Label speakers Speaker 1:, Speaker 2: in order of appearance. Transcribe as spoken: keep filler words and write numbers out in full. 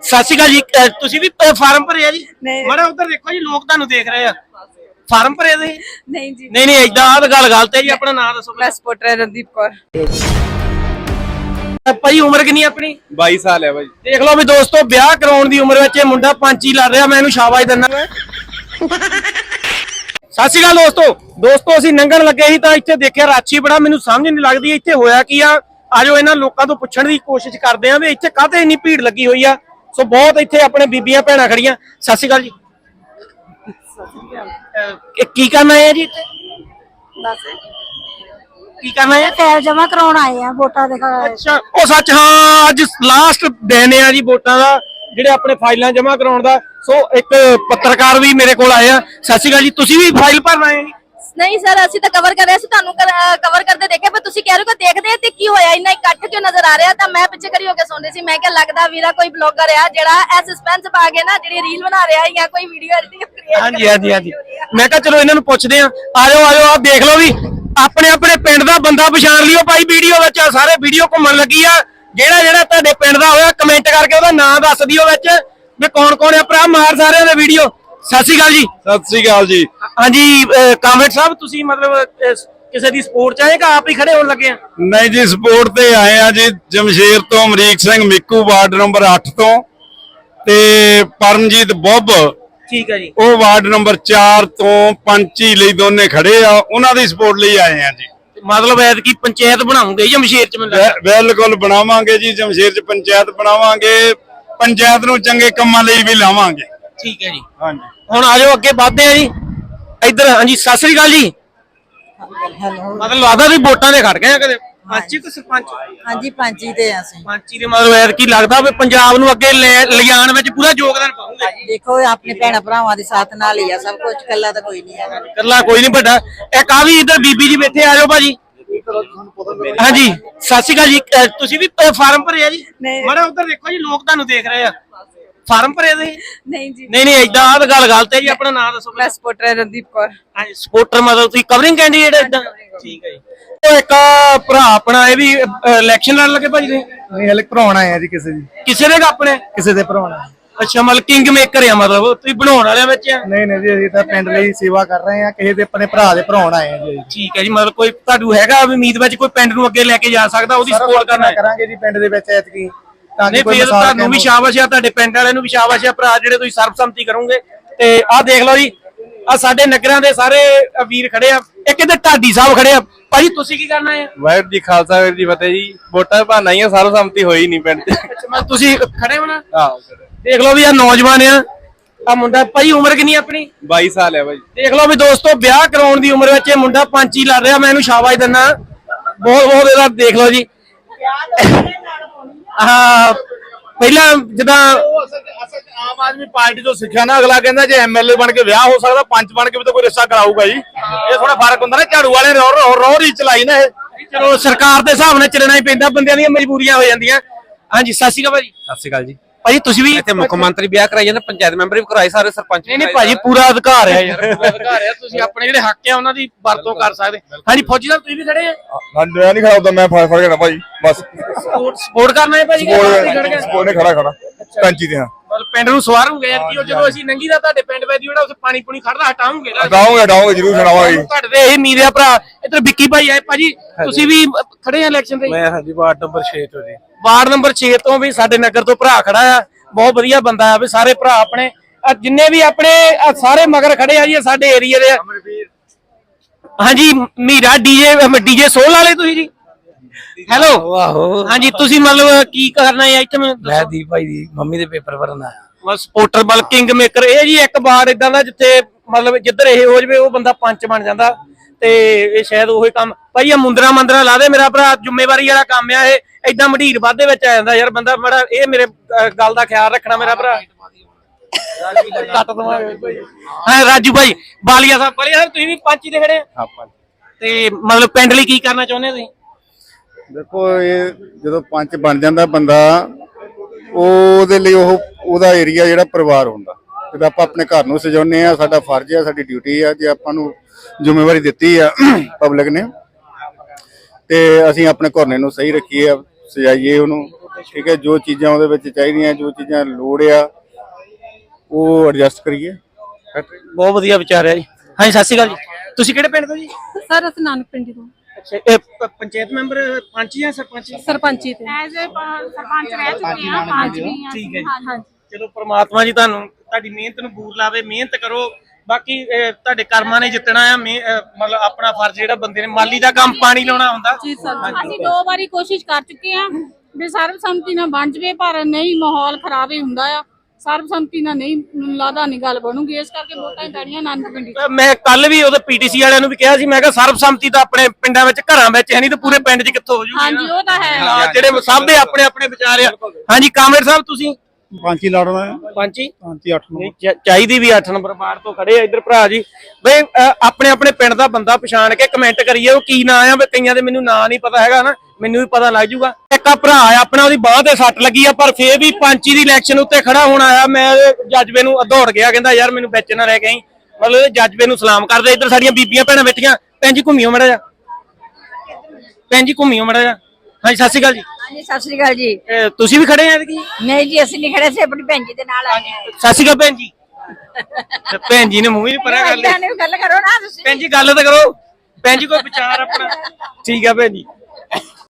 Speaker 1: ਸਤਿ ਸ਼੍ਰੀ ਅਕਾਲ ਜੀ। ਅਹ ਤੁਸੀਂ ਵੀ ਅਹ ਫਾਰਮ ਭਰਿਆ ਜੀ? ਮਾੜਾ ਉਧਰ ਦੇਖੋ ਜੀ, ਲੋਕ ਤੁਹਾਨੂੰ ਦੇਖ ਰਹੇ ਆ। ਫਾਰਮ ਭਰੇ ਤੁਸੀਂ?
Speaker 2: ਨਹੀਂ ਜੀ।
Speaker 1: ਨਹੀਂ ਨਹੀਂ ਏਦਾਂ ਆ ਗੱਲ ਗਲਤ ਹੈ ਜੀ। ਆਪਣਾ ਨਾਮ ਦੱਸੋ।
Speaker 2: ਮੈਂ ਸਪੋਰਟਰ ਰਣਦੀਪ ਕੌਰ।
Speaker 1: ਭਾਈ ਉਮਰ ਕਿੰਨੀ ਆਪਣੀ?
Speaker 3: ਬਾਈ ਸਾਲ ਹੈ ਭਾਈ।
Speaker 1: ਦੇਖ ਲਓ ਵੀ ਦੋਸਤੋ, ਵਿਆਹ ਕਰਾਉਣ ਦੀ ਉਮਰ ਵਿੱਚ ਇਹ ਮੁੰਡਾ ਪੰਚੀ ਲੜ ਰਿਹਾ। ਮੈਂ ਇਹਨੂੰ ਸ਼ਾਬਾਸ਼ ਦਿੰਦਾ। ਸਤਿ ਸ਼੍ਰੀ ਅਕਾਲ ਦੋਸਤੋ। ਦੋਸਤੋ ਅਸੀਂ ਲੰਘਣ ਲੱਗੇ ਸੀ ਤਾਂ ਇੱਥੇ ਦੇਖਿਆ ਰਾਛੀ ਬੜਾ, ਮੈਨੂੰ ਸਮਝ ਨਹੀਂ ਲੱਗਦੀ ਇੱਥੇ ਹੋਇਆ ਕੀ ਆ। ਆਜੋ ਇਹਨਾਂ ਲੋਕਾਂ ਤੋਂ ਪੁੱਛਣ ਦੀ ਕੋਸ਼ਿਸ਼ ਕਰਦੇ ਆ ਵੀ ਇੱਥੇ ਕਾਹਤੇ ਇੰਨੀ ਭੀੜ ਲੱਗੀ ਹੋਈ ਆ। ਸੋ ਬਹੁਤ ਇੱਥੇ ਆਪਣੇ ਬੀਬੀਆਂ ਭੈਣਾਂ ਖੜੀਆਂ। ਸਤਿ ਸ਼੍ਰੀ ਅਕਾਲ ਜੀ। ਕੀ ਕਰਨਾ ਹੈ ਜੀ ਇੱਥੇ?
Speaker 2: ਬਸ
Speaker 1: ਕੀ ਕਰਨਾ ਹੈ?
Speaker 2: ਫਾਈਲ ਜਮਾ ਕਰਾਉਣ ਆਏ ਆ ਵੋਟਾਂ ਦੇ।
Speaker 1: ਅੱਛਾ, ਉਹ ਸੱਚ, ਹਾਂ ਅੱਜ ਲਾਸਟ ਦਿਨ ਆ ਜੀ ਵੋਟਾਂ ਦਾ, ਜਿਹੜੇ ਆਪਣੇ ਫਾਈਲਾਂ ਜਮਾ ਕਰਾਉਣ ਦਾ। ਸੋ ਇੱਕ ਪੱਤਰਕਾਰ ਵੀ ਮੇਰੇ ਕੋਲ ਆਏ ਆ। ਸਤਿ ਸ਼੍ਰੀ ਅਕਾਲ ਜੀ। ਤੁਸੀਂ ਵੀ ਫਾਈਲ ਭਰਨ ਆਏ ਜੀ?
Speaker 2: ਨਹੀਂ ਸਰ, ਅਸੀਂ ਤਾਂ ਕਵਰ ਕਰ ਰਹੇ ਸੀ, ਤੁਹਾਨੂੰ ਕਵਰ ਕਰਦੇ ਦੇਖਿਆ, ਪਰ ਤੁਸੀਂ ਕਹਿ ਰਹੇ ਹੋ ਕਿ ਦੇਖਦੇ ਤੇ ਕੀ ਹੋਇਆ, ਇੰਨਾ ਇਕੱਠ ਕਿਉਂ ਨਜ਼ਰ ਆ ਰਿਹਾ। ਤਾਂ ਮੈਂ ਪਿੱਛੇ ਖੜੀ ਹੋ ਕੇ ਸੁਣ ਰਹੀ ਸੀ। ਮੈਂ ਕਿਹਾ ਲੱਗਦਾ ਵੀਰਾ ਕੋਈ ਬਲੌਗਰ ਆ ਜਿਹੜਾ ਐ ਸਸਪੈਂਸ ਪਾ ਕੇ ਨਾ ਜਿਹੜੀ ਰੀਲ ਬਣਾ ਰਿਹਾ ਜਾਂ ਕੋਈ ਵੀਡੀਓ ਐਡੀਟਿੰਗ ਕ੍ਰੀਏਟ।
Speaker 1: ਹਾਂਜੀ ਹਾਂਜੀ ਹਾਂਜੀ। ਮੈਂ ਕਿਹਾ ਚਲੋ ਇਹਨਾਂ ਨੂੰ ਪੁੱਛਦੇ ਆ। ਆਜੋ ਆਜੋ, ਆਹ ਦੇਖ ਲਓ ਵੀ ਆਪਣੇ ਆਪਣੇ ਪਿੰਡ ਦਾ ਬੰਦਾ ਪਛਾਣ ਲਿਓ ਭਾਈ। ਵੀਡੀਓ ਵਿੱਚ ਸਾਰੇ ਵੀਡੀਓ ਘੁੰਮਣ ਲੱਗੀ ਆ। ਜਿਹੜਾ ਜਿਹੜਾ ਤੁਹਾਡੇ ਪਿੰਡ ਦਾ ਹੋਇਆ ਕਮੈਂਟ ਕਰਕੇ ਉਹਦਾ ਨਾਮ ਦੱਸ ਦਿਓ ਵਿੱਚ ਵੀ ਕੌਣ ਕੌਣ ਆ। ਭਰਾ ਮਾਰ ਸਾਰਿਆਂ ਦੇ ਵੀਡੀਓ। ਸਤਿ ਸ਼੍ਰੀ ਅਕਾਲ ਜੀ।
Speaker 3: ਸਤਿ ਸ੍ਰੀ ਅਕਾਲ ਜੀ।
Speaker 1: ਹਾਂਜੀ ਕਾਮਰੇਡ ਸਾਹਿਬ, ਤੁਸੀਂ ਮਤਲਬ ਕਿਸੇ ਦੀ ਸਪੋਰਟ ਚਾਹੇ ਕਿ ਆਪ ਹੀ ਖੜੇ ਹੋਣ ਲੱਗੇ ਆ?
Speaker 3: ਨਹੀਂ ਜੀ, ਸਪੋਰਟ ਤੇ ਆਏ ਆ ਜੀ। ਜਮਸ਼ੇਰ ਤੋਂ ਅਮਰੀਕ ਸਿੰਘ ਮਿੱਕੂ, ਵਾਰਡ ਨੰਬਰ ਅੱਠ ਤੋਂ, ਤੇ ਪਰਮਜੀਤ ਬੱਬ,
Speaker 1: ਠੀਕ ਹੈ ਜੀ,
Speaker 3: ਉਹ ਵਾਰਡ ਨੰਬਰ ਚਾਰ ਤੋਂ ਪੰਚੀ ਲਈ ਦੋਨੇ ਖੜੇ ਆ। ਉਹਨਾਂ ਦੀ ਸਪੋਰਟ ਲਈ ਆਏ ਆ ਜੀ।
Speaker 1: ਮਤਲਬ ਐਤਕੀ ਪੰਚਾਇਤ ਬਣਾਉਂਗੇ ਜਮਸ਼ੇਰ ਚ?
Speaker 3: ਬਿਲਕੁਲ ਬਣਾਵਾਂਗੇ ਜੀ। ਜਮਸ਼ੇਰ ਚ ਪੰਚਾਇਤ ਬਣਾਵਾਂਗੇ। ਪੰਚਾਇਤ ਨੂੰ ਚੰਗੇ ਕੰਮਾਂ ਲਈ ਵੀ ਲਾਵਾਂਗੇ।
Speaker 1: ਠੀਕ ਹੈ ਜੀ।
Speaker 3: ਹਾਂਜੀ,
Speaker 1: ਹੁਣ ਆਜੋ ਅੱਗੇ ਵੱਧਦੇ ਆ ਜੀ ਇੱਧਰ। ਹਾਂਜੀ ਸਤਿ ਸ੍ਰੀ ਅਕਾਲ ਜੀ। ਮਤਲਬ ਲੱਗਦਾ ਵੀ ਵੋਟਾਂ ਦੇ ਖੜ ਗਏ ਆ ਕਦੇ? ਪੰਚੀ ਤੇ ਸਰਪੰਚ?
Speaker 2: ਹਾਂਜੀ ਪੰਚੀ ਤੇ ਆ ਅਸੀਂ।
Speaker 1: ਪੰਚੀ ਦੇ ਮਤਲਬ ਐਤਕੀ ਲੱਗਦਾ ਵੀ ਪੰਜਾਬ ਨੂੰ ਅੱਗੇ ਲਿਜਾਣ ਵਿੱਚ ਪੂਰਾ ਯੋਗਦਾਨ ਪਾਉਂਗੇ।
Speaker 2: ਦੇਖੋ ਆਪਣੇ ਭੈਣਾਂ ਭਰਾਵਾਂ ਦੇ ਸਾਥ ਨਾਲ ਹੀ ਆ ਸਭ ਕੁਝ, ਇਕੱਲਾ ਤਾਂ ਕੋਈ ਨਹੀਂ ਹੈਗਾ।
Speaker 1: ਇਕੱਲਾ ਕੋਈ ਨਹੀਂ ਵੱਡਾ। ਇੱਕ ਆ ਵੀ ਇੱਧਰ ਬੀਬੀ ਜੀ ਬੈਠੇ। ਆਜੋ ਭਾਜੀ। ਹਾਂਜੀ ਸਤਿ ਸ਼੍ਰੀ ਅਕਾਲ ਜੀ। ਤੁਸੀਂ ਵੀ ਫਾਰਮ ਭਰਿਆ ਜੀ? ਮਾੜਾ ਉਧਰ ਦੇਖੋ ਜੀ, ਲੋਕ ਤੁਹਾਨੂੰ ਦੇਖ ਰਹੇ ਆ। ਫਾਰਮ ਭਰੇ ਤੁਸੀਂ? ਨਹੀਂ ਜੀ। ਨਹੀਂ ਨਹੀਂ ਏਦਾਂ ਆ ਗੱਲ ਗਲਤ ਹੈ ਜੀ। ਆਪਣਾ ਨਾਮ ਦੱਸੋ।
Speaker 2: ਮੈਂ ਸਪੋਰਟਰ ਰਣਦੀਪ ਕੌਰ।
Speaker 1: ਹਾਂਜੀ ਸਪੋਰਟਰ, ਮਤਲਬ ਤੁਸੀਂ ਕਵਰਿੰਗ ਕੈਂਡੀਡੇਟ ਏਦਾਂ? ਠੀਕ ਹੈ ਜੀ। ਉਹ ਇੱਕ ਭਰਾ ਆਪਣਾ ਇਹ ਵੀ ਇਲੈਕਸ਼ਨ ਲੜਨ ਲੱਗੇ ਭਾਜੀ?
Speaker 4: ਨਹੀਂ ਹਲੇ ਭਰਾਉਣ ਆਏ ਆ ਜੀ। ਕਿਸੇ ਦੀ
Speaker 1: ਕਿਸੇ ਦੇ ਆਪਣੇ?
Speaker 4: ਕਿਸੇ ਦੇ ਭਰਾਉਣਾ।
Speaker 1: ਅੱਛਾ, ਮਤਲਬ ਕਿੰਗ ਮੇਕਰ ਆ, ਮਤਲਬ ਤੁਸੀਂ ਬਣਾਉਣ ਵਾਲਿਆਂ ਵਿੱਚ ਆ?
Speaker 4: ਨਹੀਂ ਨਹੀਂ ਜੀ, ਅਸੀਂ ਤਾਂ ਪਿੰਡ ਲਈ ਸੇਵਾ ਕਰ ਰਹੇ ਆ। ਕਿਸੇ ਦੇ ਆਪਣੇ ਭਰਾ ਦੇ ਭਰਾਉਣ ਆਏ ਆ ਜੀ।
Speaker 1: ਠੀਕ ਹੈ ਜੀ। ਮਤਲਬ ਕੋਈ ਤੁਹਾਨੂੰ ਹੈਗਾ ਵੀ ਉਮੀਦ ਵਿੱਚ ਕੋਈ ਪਿੰਡ ਨੂੰ ਅੱਗੇ ਲੈ ਕੇ ਜਾ ਸਕਦਾ, ਉਹਦੀ ਸਪੋਰਟ ਕਰਨਾ
Speaker 4: ਕਰਾਂਗੇ ਜੀ ਪਿੰਡ ਦੇ ਵਿੱਚ ਐਤਕੀ।
Speaker 1: ਨਹੀਂ ਫਿਰ ਤੁਹਾਨੂੰ ਵੀ ਸ਼ਾਬਾਸ਼ ਆ, ਤੁਹਾਡੇ ਪਿੰਡ ਵਾਲਿਆਂ ਨੂੰ ਵੀ ਸ਼ਾਬਾਸ਼ ਆ ਭਰਾ, ਜਿਹੜੇ ਤੁਸੀਂ ਸਰਬਸੰਮਤੀ ਕਰੋਗੇ। ਤੇ ਆਹ ਦੇਖ ਲਓ ਜੀ, ਆ ਸਾਡੇ ਨਗਰਾਂ ਦੇ ਸਾਰੇ ਵੀਰ ਖੜੇ ਆ। ਇੱਕ ਇੱਧਰ ਢਾਡੀ ਸਾਹਿਬ ਖੜੇ ਆ। ਭਾਜੀ ਤੁਸੀਂ ਕੀ ਕਰਨਾ ਹੈ?
Speaker 3: ਵਾਹਿਗੁਰੂ ਜੀ ਖਾਲਸਾ, ਵਾਹਿਗੁਰੂ ਜੀ ਫਤਿਹ ਜੀ। ਵੋਟਾਂ ਭਾਣਾ ਹੀ ਆ, ਸਰਬਸੰਮਤੀ ਹੋਈ ਨਹੀਂ ਪਿੰਡ ਚ।
Speaker 1: ਤੁਸੀਂ ਖੜੇ ਹੋ ਨਾ?
Speaker 3: ਹਾਂ।
Speaker 1: ਦੇਖ ਲਓ ਵੀ ਆ ਨੌਜਵਾਨ ਆ। ਆ ਮੁੰਡਾ ਭਾਈ ਉਮਰ ਕਿੰਨੀ ਆਪਣੀ?
Speaker 3: ਬਾਈ ਸਾਲ ਹੈ ਭਾਈ।
Speaker 1: ਦੇਖ ਲਓ ਵੀ ਦੋਸਤੋ, ਵਿਆਹ ਕਰਾਉਣ ਦੀ ਉਮਰ ਵਿੱਚ ਇਹ ਮੁੰਡਾ ਪੰਚੀ ਲੜ ਰਿਹਾ। ਮੈਂ ਇਹਨੂੰ ਸ਼ਾਬਾਸ਼ ਦਿੰਦਾ ਬਹੁਤ ਬਹੁਤ। ਇਹਦਾ ਦੇਖ ਲਓ ਜੀ। ਹਾਂ ਪਹਿਲਾਂ ਜਿੱਦਾਂ
Speaker 3: ਆਮ ਆਦਮੀ ਪਾਰਟੀ ਤੋਂ ਸਿੱਖਿਆ ਨਾ, ਅਗਲਾ ਕਹਿੰਦਾ ਜੇ ਐਮਐਲਏ ਬਣ ਕੇ ਵਿਆਹ ਹੋ ਸਕਦਾ, ਪੰਚ ਬਣ ਕੇ ਵੀ ਤਾਂ ਕੋਈ ਰਿਸ਼ਤਾ ਕਰਾਊਗਾ ਜੀ। ਇਹ ਥੋੜਾ ਫਰਕ ਹੁੰਦਾ ਨਾ। ਝਾੜੂ ਵਾਲੇ ਰੋਹ ਰੀ ਚਲਾਈ ਨਾ ਇਹ।
Speaker 1: ਚਲੋ ਸਰਕਾਰ ਦੇ ਹਿਸਾਬ ਨਾਲ ਚੱਲਣਾ ਹੀ ਪੈਂਦਾ, ਬੰਦਿਆਂ ਦੀਆਂ ਮਜਬੂਰੀਆਂ ਹੋ ਜਾਂਦੀਆਂ। ਹਾਂਜੀ ਸਤਿ ਸ਼੍ਰੀ ਅਕਾਲ ਭਾਜੀ।
Speaker 5: ਸਤਿ ਸ਼੍ਰੀ ਅਕਾਲ ਜੀ।
Speaker 1: ਭਾਜੀ ਤੁਸੀਂ ਵੀ
Speaker 5: ਇੱਥੇ ਮੁੱਖ ਮੰਤਰੀ ਵਿਆਹ ਕਰਾਈ ਜਾਂਦੇ, ਪੰਚਾਇਤ ਮੈਂਬਰ ਵੀ ਕਰਾਏ, ਸਾਰੇ ਸਰਪੰਚ।
Speaker 1: ਨਹੀਂ ਨਹੀਂ ਭਾਜੀ, ਪੂਰਾ ਅਧਿਕਾਰ ਹੈ ਯਾਰ, ਪੂਰਾ ਅਧਿਕਾਰ ਹੈ। ਤੁਸੀਂ ਆਪਣੇ ਜਿਹੜੇ ਹੱਕ ਆ ਉਹਨਾਂ ਦੀ ਵਰਤੋਂ ਕਰ ਸਕਦੇ। ਹਾਂਜੀ ਫੌਜੀ ਸਾਹਿਬ ਤੁਸੀਂ ਵੀ ਖੜੇ ਆ?
Speaker 3: ਮੈਂ ਨਹੀਂ ਖੜਾ ਹੁੰਦਾ, ਮੈਂ ਫੜ ਫੜ ਕੇ ਭਾਈ ਬਸ
Speaker 1: ਸਪੋਰਟ ਕਰਨਾ ਹੈ ਭਾਜੀ?
Speaker 3: ਸਪੋਰਟ ਨੇ ਖੜਾ ਖੜਾ ਪੰਚੀ ਦੇ। ਹਾਂ
Speaker 1: ਮਤਲਬ ਪਿੰਡ ਨੂੰ ਸਵਾਰੂਗੇ ਯਾਰ ਕਿ ਜਦੋਂ ਅਸੀਂ ਨੰਗੀ ਦਾ ਤੁਹਾਡੇ ਪਿੰਡ ਵਿੱਚ ਜਿਹੜਾ ਉੱਥੇ ਪਾਣੀ ਪੂਣੀ ਖੜਦਾ ਹਟਾਉਂਗੇ ਨਾ?
Speaker 3: ਹਟਾਉਂਗੇ ਹਟਾਉਂਗੇ ਜ਼ਰੂਰ ਹਟਾਵਾਂਗੇ।
Speaker 1: ਤੁਹਾਡੇ ਤੇ ਇਹ ਉਮੀਦ ਆ ਭਰਾ। ਇੱਧਰ ਵਿੱਕੀ ਭਾਈ ਆਏ। ਭਾਜੀ ਤੁਸੀਂ ਵੀ ਖੜੇ ਆ ਇਲੈਕਸ਼ਨ ਤੇ?
Speaker 5: ਮੈਂ ਹਾਂਜੀ ਵਾਰਡ ਨੰਬਰ ਛੇ ਤੋਂ ਜੀ।
Speaker 1: ਵਾਰਡ ਨੰਬਰ ਛੇ ਤੋਂ ਵੀ ਸਾਡੇ ਨਗਰ ਤੋਂ ਭਰਾ ਖੜਾ ਆ। ਬਹੁਤ ਵਧੀਆ ਬੰਦਾ ਆ ਵੀ। ਸਾਰੇ ਭਰਾ ਆਪਣੇ ਜਿੰਨੇ ਵੀ ਆਪਣੇ ਸਾਰੇ ਮਗਰ ਖੜੇ ਆ ਜੀ, ਸਾਡੇ ਏਰੀਆ ਦੇ। ਹਾਂਜੀ ਮੀਰਾ ਡੀਜੇ ਡੀਜੇ ਸੋਲ ਵਾਲੇ ਤੁਸੀਂ ਜੀ? ਹੈਲੋ।
Speaker 5: ਆਹੋ
Speaker 1: ਹਾਂਜੀ ਤੁਸੀਂ ਮਤਲਬ ਕੀ ਕਰਨਾ ਹੈ ਇੱਥੇ?
Speaker 5: ਮੈਂ ਦੀਪ ਭਾਈ ਦੀ ਮੰਮੀ ਦੇ ਪੇਪਰ ਭਰਨਾ।
Speaker 1: ਬਸ ਸਪੋਰਟਰ ਬਲ ਕਿੰਗ ਮੇਕਰ ਇਹ ਜੀ ਇੱਕ ਵਾਰ ਇਦਾਂ ਦਾ ਜਿੱਥੇ ਮਤਲਬ ਜਿੱਧਰ ਇਹ ਹੋ ਜਵੇ ਉਹ ਬੰਦਾ ਪੰਚ ਬਣ ਜਾਂਦਾ। ਤੇ ਇਹ ਸ਼ਾਇਦ ਉਹੀ ਕੰਮ ਭਾਈ ਆ ਮੁੰਦਰਾ ਮੰਦਰਾ ਲਾ ਦੇ ਮੇਰਾ ਭਰਾ। ਜ਼ਿੰਮੇਵਾਰੀ ਵਾਲਾ ਕੰਮ ਆ ਇਹ। ਏਦਾਂ ਮਢੀਰ ਵਾਧੇ ਵਿੱਚ ਆ ਜਾਂਦਾ ਯਾਰ ਬੰਦਾ ਬੜਾ। ਇਹ ਮੇਰੇ ਗੱਲ ਦਾ ਖਿਆਲ ਰੱਖਣਾ ਮੇਰਾ ਭਰਾ। ਕੱਟ ਦਵਾਂਗੇ। ਹਾਂ ਰਾਜੂ ਭਾਈ ਬਾਲੀਆ ਸਾਹਿਬ। ਬਾਲੀਆ ਸਾਹਿਬ ਤੁਸੀਂ ਵੀ ਪੰਚੀ ਦੇ ਖੜੇ ਆ? ਤੇ ਮਤਲਬ ਪਿੰਡ ਲਈ ਕੀ ਕਰਨਾ ਚਾਹੁੰਦੇ ਤੁਸੀਂ?
Speaker 3: ਦੇਖੋ ਇਹ ਜਦੋਂ ਪੰਚ ਬਣ ਜਾਂਦਾ ਬੰਦਾ, ਉਹਦੇ ਲਈ ਉਹ ਉਹਦਾ ਏਰੀਆ ਜਿਹੜਾ ਪਰਿਵਾਰ ਹੁੰਦਾ। ਜਦੋਂ ਆਪਾਂ ਆਪਣੇ ਘਰ ਨੂੰ ਸਜਾਉਂਦੇ ਆ, ਸਾਡਾ ਫਰਜ਼ ਆ, ਸਾਡੀ ਡਿਊਟੀ ਆ। ਜੇ ਆਪਾਂ ਨੂੰ ਜ਼ਿੰਮੇਵਾਰੀ ਦਿੱਤੀ ਆ ਪਬਲਿਕ ਨੇ, ਤੇ ਅਸੀਂ ਆਪਣੇ ਘਰਨੇ ਨੂੰ ਸਹੀ ਰੱਖੀਏ, ਸਜਾਈਏ ਉਹਨੂੰ। ਠੀਕ ਹੈ, ਜੋ ਚੀਜ਼ਾਂ ਉਹਦੇ ਵਿੱਚ ਚਾਹੀਦੀਆਂ, ਜੋ ਚੀਜ਼ਾਂ ਲੋੜ ਆ ਉਹ ਐਡਜਸਟ ਕਰੀਏ।
Speaker 1: ਬਹੁਤ ਵਧੀਆ ਵਿਚਾਰ ਹੈ ਜੀ। ਹਾਂਜੀ ਸਤਿ ਸ਼੍ਰੀ ਅਕਾਲ ਜੀ। ਤੁਸੀਂ ਕਿਹੜੇ ਪਿੰਡ ਤੋਂ ਜੀ?
Speaker 6: ਸਰ ਅਸੀਂ ਨਾਨਕ ਪਿੰਡੀ ਤੋਂ
Speaker 1: ਅੱਛਾ, ਇਹ ਪ- ਪੰਚਾਇਤ ਮੈਂਬਰ ਪੰਚ ਜਾਂ ਸਰਪੰਚ?
Speaker 6: ਸਰਪੰਚੀ ਤੇ
Speaker 7: ਐਜ਼ ਅ ਸਰਪੰਚ ਰਹਿ ਚੁੱਕੇ ਆ ਪੰਜ ਵੀ ਆ।
Speaker 1: ਠੀਕ ਹੈ ਜੀ।
Speaker 6: ਹਾਂਜੀ
Speaker 1: ਚਲੋ ਪ੍ਰਮਾਤਮਾ ਜੀ ਤੁਹਾਨੂੰ ਤੁਹਾਡੀ ਮਿਹਨਤ ਨੂੰ ਬੂਰ ਲਾਵੇ, ਮਿਹਨਤ ਕਰੋ। ਬਾਕੀ ਅਹ, ਤੁਹਾਡੇ ਕਰਮਾਂ ਨੇ ਜਿੱਤਣਾ ਆ। ਮਿਹ- ਅਹ, ਮਤਲਬ ਆਪਣਾ ਫਰਜ਼ ਜਿਹੜਾ ਬੰਦੇ ਨੇ ਮਾਲੀ ਦਾ ਕੰਮ ਪਾਣੀ ਲਾਉਣਾ ਹੁੰਦਾ।
Speaker 6: ਜੀ ਸਰ
Speaker 7: ਅਸੀਂ ਦੋ ਵਾਰੀ ਕੋਸ਼ਿਸ਼ ਕਰ ਚੁੱਕੇ ਆ ਵੀ ਸਰਬਸੰਮਤੀ ਨਾਲ ਬਣ ਜਵੇ, ਪਰ ਨਹੀਂ, ਮਾਹੌਲ ਖਰਾਬ ਹੀ ਹੁੰਦਾ ਆ। ਸਰਬਸੰਮਤੀ ਨਾਲ ਨਹੀਂ, ਮੈਨੂੰ ਲੱਗਦਾ ਨਹੀਂ ਗੱਲ ਬਣੂਗੀ, ਇਸ ਕਰਕੇ ਵੋਟਾਂ ਹੀ ਪੈਣੀਆਂ ਨਾਨਕ ਪਿੰਡੀ।
Speaker 1: ਅਹ, ਮੈਂ ਕੱਲ ਵੀ ਉਹਦੇ ਪੀਟੀਸੀ ਵਾਲਿਆਂ ਨੂੰ ਵੀ ਕਿਹਾ ਸੀ, ਮੈਂ ਕਿਹਾ ਸਰਬਸੰਮਤੀ ਤਾਂ ਆਪਣੇ ਪਿੰਡਾਂ ਵਿੱਚ ਘਰਾਂ ਵਿੱਚ ਹੈ ਨਹੀਂ ਤੇ ਪੂਰੇ ਪਿੰਡ 'ਚ ਕਿੱਥੋਂ ਹੋ ਜੂਗੀ?
Speaker 7: ਹਾਂਜੀ ਉਹ ਤਾਂ ਹੈ।
Speaker 1: ਹਾਂ, ਜਿਹੜੇ ਸਭ ਦੇ ਆਪਣੇ ਆਪਣੇ ਵਿਚਾਰ ਆ। ਹਾਂਜੀ ਕਾਮਰੇਡ ਸਾਹਿਬ ਤੁਸੀਂ
Speaker 4: ਪੰਚੀ ਲੜਨਾ ਹੈ
Speaker 1: ਪੰਚੀ
Speaker 4: ਪੰਚੀ ਅੱਠ
Speaker 1: ਨਹੀਂ ਚ- ਚਾਹੀਦੀ ਵੀ ਅੱਠ ਨੰਬਰ ਬਾਹਰ ਤੋਂ ਖੜੇ ਆ ਇੱਧਰ ਭਰਾ ਜੀ ਬਈ ਅਹ, ਆਪਣੇ ਆਪਣੇ ਪਿੰਡ ਦਾ ਬੰਦਾ ਪਛਾਣ ਕੇ ਕਮੈਂਟ ਕਰੀਏ ਉਹ ਕੀ ਨਾਂ ਆ। ਵੀ ਕਈਆਂ ਦੇ ਮੈਨੂੰ ਨਾਂ ਨਹੀਂ ਪਤਾ ਹੈਗਾ ਨਾ, ਮੈਨੂੰ ਵੀ ਪਤਾ ਲੱਗ ਜੂਗਾ। ਇੱਕ ਆ ਭਰਾ ਆ ਆਪਣਾ, ਉਹਦੀ ਬਾਹ ਤੇ ਸੱਟ ਲੱਗੀ ਆ, ਪਰ ਫੇਰ ਵੀ ਪੰਚੀ ਦੀ ਇਲੈਕਸ਼ਨ ਉੱਤੇ ਖੜਾ ਹੋਣ ਆਇਆ। ਮੈਂ ਜੱਜਵੇ ਨੂੰ ਦੌੜ ਗਿਆ, ਕਹਿੰਦਾ ਯਾਰ ਮੈਨੂੰ ਵਿੱਚ ਨਾ ਰਹਿ ਗਈ। ਮਤਲਬ ਜੱਜਵੇ ਨੂੰ ਸਲਾਮ ਕਰਦੇ। ਇੱਧਰ ਸਾਡੀਆਂ ਬੀਬੀਆਂ ਭੈਣਾਂ ਬੈਠੀਆਂ। ਭੈਣ ਜੀ ਘੁੰਮਿਓ ਮੜਾ ਜਾ, ਭੈਣ ਜੀ ਘੁੰਮਿਓ ਮੜਾ ਜਾ। ਹਾਂਜੀ ਸਤਿ ਸ਼੍ਰੀ ਅਕਾਲ ਜੀ।
Speaker 8: ਹਾਂਜੀ ਸਤਿ ਸ੍ਰੀ ਅਕਾਲ ਜੀ।
Speaker 1: ਅਹ, ਤੁਸੀਂ ਵੀ ਖੜੇ ਆ ਕੀ?
Speaker 8: ਨਹੀਂ ਜੀ ਅਸੀਂ ਨਹੀਂ ਖੜੇ ਸੀ, ਆਪਣੀ ਭੈਣ ਜੀ ਦੇ ਨਾਲ ਆਏ ਹਾਂ।
Speaker 1: ਸਤਿ ਸ਼੍ਰੀ ਅਕਾਲ ਭੈਣ ਜੀ। ਤੇ ਭੈਣ ਜੀ ਨੇ ਮੂੰਹ ਹੀ ਪਰਾਂ ਕਰ ਲਿਆ।
Speaker 8: ਭੈਣ ਨੂੰ ਗੱਲ ਕਰੋ ਨਾ ਤੁਸੀਂ।
Speaker 1: ਭੈਣ ਜੀ ਗੱਲ ਤਾਂ ਕਰੋ। ਭੈਣ ਜੀ ਕੋਈ ਵਿਚਾਰ ਆਪਣਾ। ਠੀਕ ਆ ਭੈਣ ਜੀ।